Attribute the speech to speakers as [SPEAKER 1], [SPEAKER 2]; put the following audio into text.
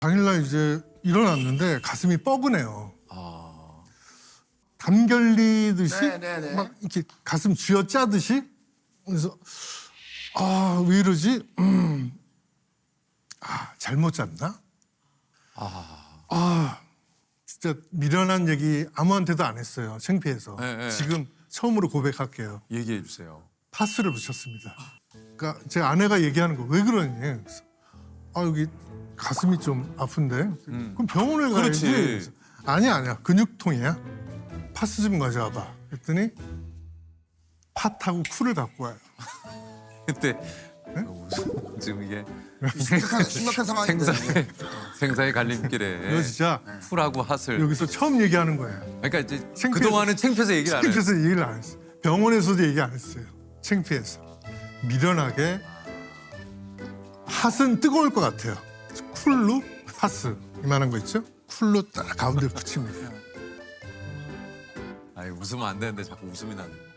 [SPEAKER 1] 당일날 이제 일어났는데 가슴이 뻐근해요.
[SPEAKER 2] 아.
[SPEAKER 1] 담 결리듯이
[SPEAKER 3] 네네네.
[SPEAKER 1] 막 이렇게 가슴 쥐어짜듯이. 그래서 왜 이러지? 잘못 잤나? 진짜 미련한 얘기 아무한테도 안 했어요. 창피해서.
[SPEAKER 2] 네.
[SPEAKER 1] 지금 처음으로 고백할게요.
[SPEAKER 2] 얘기해 주세요.
[SPEAKER 1] 파스를 붙였습니다. 그러니까 제 아내가 얘기하는 거 왜 그러니? 그래서 여기 가슴이 좀 아픈데. 그럼 병원을 가야지.
[SPEAKER 2] 그렇지.
[SPEAKER 1] 그래서 아니야 근육통이야. 파스 좀 가져와봐. 그랬더니 팥하고 쿨을 갖고 와요.
[SPEAKER 2] 그때 지금 이게
[SPEAKER 3] 심각한 상황인데.
[SPEAKER 2] 생사의 갈림길에
[SPEAKER 1] 이거 진짜
[SPEAKER 2] 풀하고 핫을.
[SPEAKER 1] 여기서 처음 얘기하는 거예요.
[SPEAKER 2] 그러니까 이제
[SPEAKER 1] 창피해서-
[SPEAKER 2] 그동안은 창피해서 얘기를 안 해요.
[SPEAKER 1] 창피해서 얘기를 안 했어요. 병원에서도 얘기 안 했어요. 창피해서. 미련하게 핫은 뜨거울 것 같아요. 쿨로 핫스 이만한 거 있죠? 쿨로 딱 가운데 붙입니다.
[SPEAKER 2] 아니 웃으면 안 되는데 자꾸 웃음이 나네.